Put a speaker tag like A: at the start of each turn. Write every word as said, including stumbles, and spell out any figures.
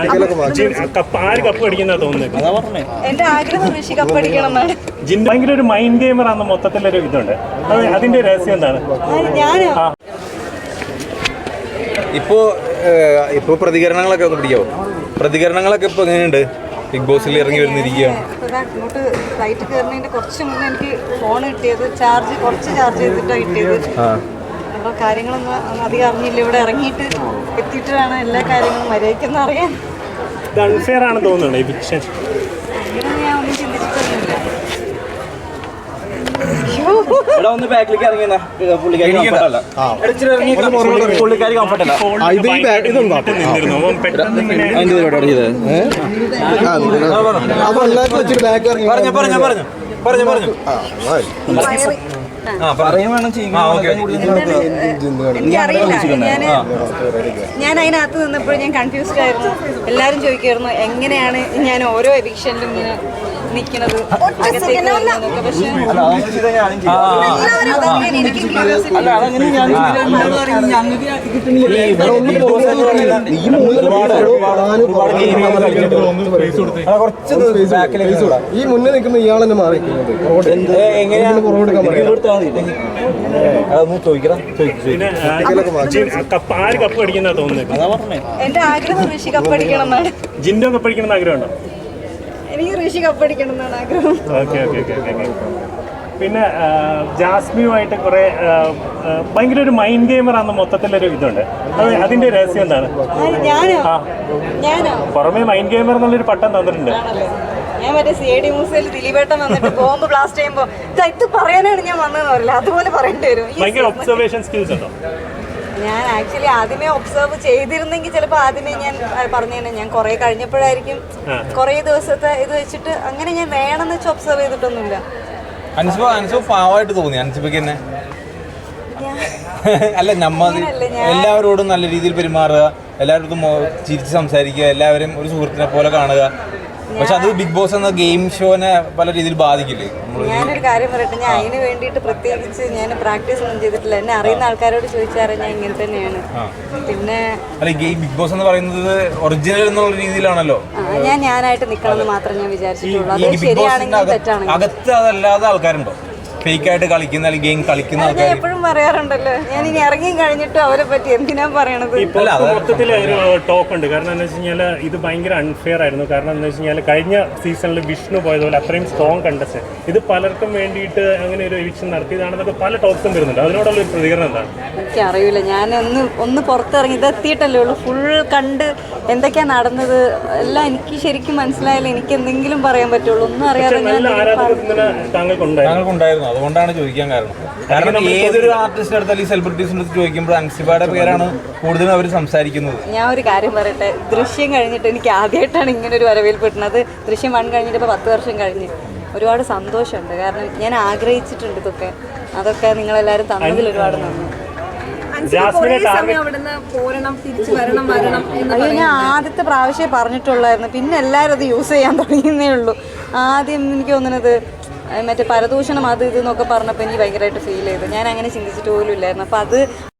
A: ആര് കപ്പ് അടിക്കുന്ന തോന്നുന്നത്?
B: എന്റെ ആഗ്രഹം ഋഷി കപ്പ് അടിക്കണം എന്നാണ്.
A: ജിൻ ഭയങ്കര ഒരു മൈൻഡ് ഗെയിമർ ആണെന്ന് മൊത്തത്തിലൊരു ഇതുണ്ട്. അതിന്റെ രഹസ്യം എന്താണ്?
B: ഞാനോ
C: ഇപ്പോ ഇപ്പൊ പ്രതികരണങ്ങളൊക്കെ ഒന്ന് പിടിക്കാവോ? പ്രതികരണങ്ങളൊക്കെ ഇപ്പൊ എങ്ങനെയുണ്ട്? ബിഗ് ബോസിൽ ഇറങ്ങി വരുന്നിരിക്കുകയാണ്.
B: ഇങ്ങോട്ട് ഫ്ലൈറ്റ് കയറുന്നതിന്റെ കുറച്ച് മുന്നേ എനിക്ക് ഫോൺ കിട്ടിയത് ചാർജ് കുറച്ച് ചാർജ് ചെയ്തിട്ടാണ് കിട്ടിയത്. അപ്പോൾ കാര്യങ്ങളൊന്നും അധികം അറിഞ്ഞില്ല. ഇവിടെ ഇറങ്ങിയിട്ട് എത്തിയിട്ട് വേണം എല്ലാ കാര്യങ്ങളും മര്യാദയ്ക്കൊന്നും അറിയാൻ.
A: ഇത് അൺഫെയർ ആണെന്ന് തോന്നുന്നുണ്ടോ ഈ ഫിക്ഷൻ?
B: അങ്ങനെ ഞാൻ ഒന്നും ചിന്തിച്ചിട്ടൊന്നുമില്ല. എനിക്കറിയില്ല. ഞാന് ഞാൻ അതിനകത്ത് നിന്നപ്പോൾ ഞാൻ കൺഫ്യൂസ്ഡ് ആയിരുന്നു. എല്ലാരും ചോദിക്കുമായിരുന്നു എങ്ങനെയാണ് ഞാൻ ഓരോ എവിക്ഷനിലും ഇങ്ങനെ നിൽക്കുന്നത്. പക്ഷേ
D: ഈ മുന്നേ നിൽക്കുന്ന ഇയാളെന്നെ മാറി
A: ആര് കപ്പ് അടിക്കുന്ന തോന്നുന്നത്?
B: എന്റെ ആഗ്രഹം ഋഷി കപ്പ് അടിക്കണം എന്നാണ്.
A: ജിൻഡോ കപ്പ് അടിക്കണം ആഗ്രഹമുണ്ടോ?
B: എനിക്ക് ഋഷി കപ്പ് അടിക്കണം എന്നാണ് ആഗ്രഹം.
A: Okay okay okay. പിന്നെ ജാസ്മിയുമായിട്ട് കുറെ ഭയങ്കര ഒരു മൈൻഡ് ഗെയിമർ ആണെന്ന് മൊത്തത്തിലൊരു ഇതുണ്ട്. അതിന്റെ രഹസ്യം എന്താണ്?
B: ഞാനോ ഞാനോ
A: പുറമെ മൈൻഡ് ഗെയിമർ എന്നുള്ളൊരു പട്ടം തന്നിട്ടുണ്ട്.
B: ഞാൻ മറ്റേ സി ഐ ഡി മ്യൂസിയത്തിൽ ദിലീപേട്ടൻ വന്നിട്ട് ബോംബ് ബ്ലാസ്റ്റ് ചെയ്യുമ്പോ ഇത് പറയാനാണ് ഞാൻ വന്നതെന്ന് പറയില്ല, അതുപോലെ പറയേണ്ടി വരും.
A: ഭയങ്കര ഒബ്സർവേഷൻ സ്കിൽസ് ഉണ്ടോ?
B: ഞാൻ ആക്ച്വലി ആദ്യമേ ഒബ്സർവ് ചെയ്തിരുന്നെങ്കിൽ ചിലപ്പോൾ ആദ്യമേ ഞാൻ പറഞ്ഞു തന്നെ. ഞാൻ കുറെ കഴിഞ്ഞപ്പോഴായിരിക്കും കുറെ ദിവസത്തെ ഇത് വെച്ചിട്ട് അങ്ങനെ ഞാൻ വേണമെന്ന് വെച്ച് ഒബ്സർവ് ചെയ്തിട്ടൊന്നുമില്ല.
C: പാവമായിട്ട് തോന്നി അൻസിബയ്ക്ക് തന്നെ. അല്ല നമ്മ എല്ലാവരോടും നല്ല രീതിയിൽ പെരുമാറുക, എല്ലാവരോടും ചിരിച്ച് സംസാരിക്കുക, എല്ലാവരും ഒരു സുഹൃത്തിനെ പോലെ കാണുക. പക്ഷെ അത് ബിഗ് ബോസ് എന്ന ഗെയിം ഷോനെ പല രീതിയിൽ ബാധിക്കില്ലേ?
B: ഞാനൊരു കാര്യം പറയട്ടെ, ഞാൻ അതിന് വേണ്ടിയിട്ട് പ്രത്യേകിച്ച് ഞാൻ പ്രാക്ടീസ് ഒന്നും ചെയ്തിട്ടില്ല. എന്നെ അറിയുന്ന ആൾക്കാരോട് ചോദിച്ചാൽ ഞാൻ ഇങ്ങനെ തന്നെയാണ്. പിന്നെ
C: അല്ല ഈ ബിഗ് ബോസ് എന്ന് പറയുന്നത് ഒറിജിനൽ എന്നുള്ള രീതിയിലാണല്ലോ.
B: ഞാൻ ഞാനായിട്ട് നിൽക്കണമെന്ന് മാത്രം ഞാൻ വിചാരിച്ചിട്ടുള്ളൂ. അത് ശരിയാണെങ്കിലും തെറ്റാണെങ്കിലും.
C: അകത്ത് അതല്ലാതെ ആൾക്കാരുണ്ടോ ഫേക്കായിട്ട് കളിക്കുന്ന അല്ലെങ്കിൽ ഗെയിം കളിക്കുന്ന ആൾക്കാർ?
B: എപ്പോഴും പറയാറുണ്ടല്ലോ, ഞാൻ ഇനി ഇറങ്ങി കഴിഞ്ഞിട്ട് അവരെ പറ്റി എന്തിനാ പറയണത്.
A: മൊത്തത്തിൽ ഒരു ടോക്ക് ഉണ്ട്. കാരണം എന്താ വെച്ച് കഴിഞ്ഞാൽ ഇത് ഭയങ്കര അൺഫെയർ ആയിരുന്നു. കാരണം എന്താ വെച്ച് കഴിഞ്ഞാൽ കഴിഞ്ഞ സീസണിൽ വിഷ്ണു പോയതുപോലെ അത്രയും സ്ട്രോങ് കണ്ടസ്റ്റ് ഇത് പലർക്കും വേണ്ടിയിട്ട് അങ്ങനെ ഒരു എവിക്ഷൻ നടത്തിയതാണെന്നൊക്കെ പല ടോക്സും വരുന്നുണ്ട്. അതിനോടുള്ള ഒരു പ്രതികരണം എന്താണ്?
B: എനിക്കറിയില്ല. ഞാൻ ഒന്ന് ഒന്ന് പുറത്തിറങ്ങി ഇത് എത്തിയിട്ടല്ലേ ഉള്ളൂ. ഫുൾ കണ്ട് എന്തൊക്കെയാ നടന്നത് എല്ലാം എനിക്ക് ശരിക്കും മനസ്സിലായാലും എനിക്ക് എന്തെങ്കിലും പറയാൻ പറ്റുള്ളൂ. ഒന്നും അറിയാതെ
C: താങ്കൾക്കുണ്ടായിരുന്നു. അതുകൊണ്ടാണ് ചോദിക്കാൻ കാരണം. കാരണം ഏതൊരു ആർട്ടിസ്റ്റ് അടുത്ത് അല്ലെങ്കിൽ സെലിബ്രിറ്റീസിന്റെ അടുത്ത് ചോദിക്കുമ്പോൾ അൻസിബയുടെ പേരാണ് കൂടുതലും അവർ സംസാരിക്കുന്നത്.
B: ഞാൻ ഒരു കാര്യം പറയട്ടെ, ദൃശ്യം കഴിഞ്ഞിട്ട് എനിക്ക് ആദ്യമായിട്ടാണ് ഇങ്ങനെ ഒരു വരവേൽപ്പ് കിട്ടുന്നത്. ദൃശ്യം വൺ കഴിഞ്ഞിട്ട് ഇപ്പോൾ പത്ത് വർഷം കഴിഞ്ഞ് ഒരുപാട് സന്തോഷമുണ്ട്. കാരണം ഞാൻ ആഗ്രഹിച്ചിട്ടുണ്ട് ഇതൊക്കെ. അതൊക്കെ നിങ്ങളെല്ലാവരും തന്നതിൽ ഒരുപാട് നന്ദി. അയ്യോ, ഞാൻ ആദ്യത്തെ പ്രാവശ്യം പറഞ്ഞിട്ടുള്ളായിരുന്നു. പിന്നെ എല്ലാവരും അത് യൂസ് ചെയ്യാൻ തുടങ്ങിയെന്നേ ഉള്ളൂ. ആദ്യം എനിക്ക് തോന്നുന്നത് മറ്റേ പരദൂഷണം അത് ഇതെന്നൊക്കെ പറഞ്ഞപ്പോൾ എനിക്ക് ഭയങ്കരമായിട്ട് ഫീൽ ചെയ്തു. ഞാൻ അങ്ങനെ ചിന്തിച്ചിട്ട് പോലും ഇല്ലായിരുന്നു. അപ്പോൾ അത്